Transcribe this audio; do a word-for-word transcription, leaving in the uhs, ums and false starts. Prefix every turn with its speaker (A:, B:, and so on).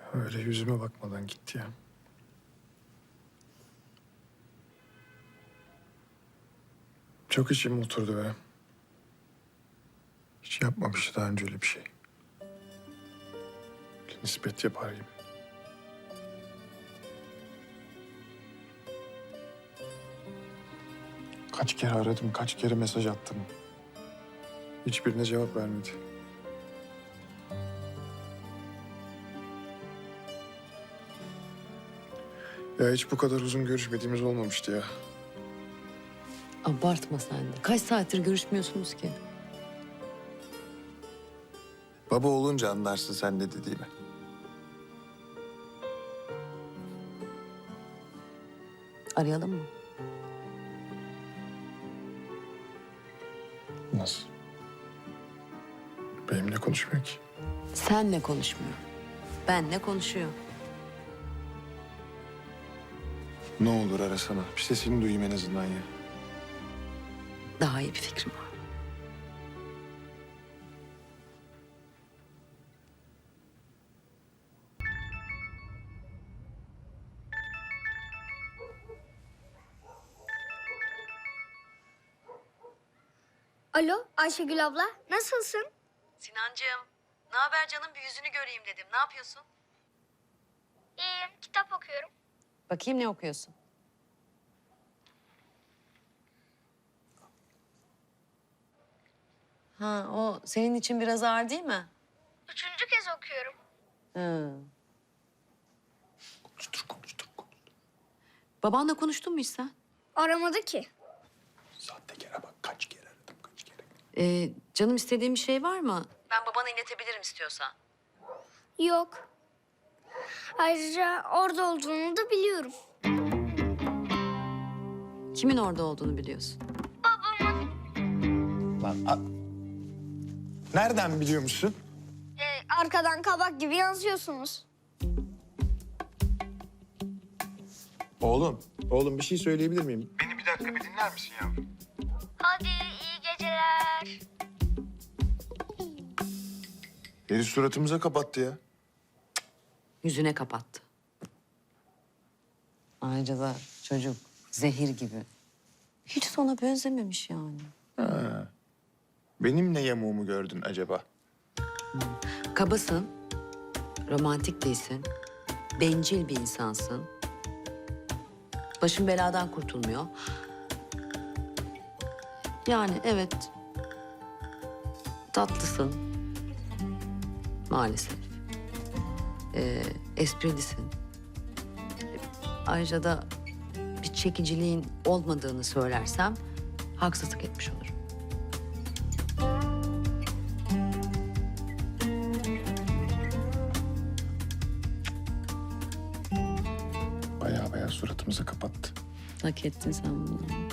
A: Öyle yüzüme bakmadan gitti ya. Çok içim oturdu be. Hiç yapmamış daha önce öyle bir şey. Bir nispet yapar gibi. Kaç kere aradım, kaç kere mesaj attım. Hiçbirine cevap vermedi. Ya hiç bu kadar uzun görüşmediğimiz olmamıştı ya.
B: Abartma sen de. Kaç saattir görüşmüyorsunuz ki?
A: Baba olunca anlarsın sen ne dediğimi.
B: Arayalım mı?
A: Nasıl? Benimle konuşmuyor ki.
B: Senle konuşmuyor. Benle konuşuyor.
A: Ne olur arasana. Bir sesini duyayım en azından ya.
B: Daha iyi bir fikrim var.
C: Alo Ayşegül abla, nasılsın?
B: Sinancığım, ne haber canım? Bir yüzünü göreyim dedim. Ne yapıyorsun?
C: İyiyim, kitap okuyorum.
B: Bakayım ne okuyorsun? Ha, o senin için biraz ağır değil mi?
C: Üçüncü kez okuyorum.
B: Hı.
A: Konuştur, konuştur, konuştur.
B: Babanla konuştun mu hiç sen?
C: Aramadı ki.
A: Sahtekara bak kaç kere aradım, kaç kere.
B: Ee, canım istediğin bir şey var mı? Ben babana iletebilirim istiyorsan.
C: Yok. Ayrıca orada olduğunu da biliyorum.
B: Kimin orada olduğunu biliyorsun.
A: Lan a... Nereden biliyor musun?
C: Ee, arkadan kabak gibi yansıyorsunuz.
A: Oğlum, oğlum bir şey söyleyebilir miyim? Beni bir dakika bir dinler misin yavrum?
C: Hadi iyi geceler.
A: Herif suratımıza kapattı ya.
B: Yüzüne kapattı. Ayrıca da çocuk zehir gibi. Hiç sana benzememiş yani.
A: Ha. Benim ne yamuğumu gördün acaba?
B: Kabasın, romantik değilsin, bencil bir insansın. Başın beladan kurtulmuyor. Yani evet, tatlısın maalesef. Ee, esprilisin. Ayrıca da bir çekiciliğin olmadığını söylersem haksızlık etmiş olurum.
A: Baya baya suratımıza kapattı.
B: Hak ettin sen bunu.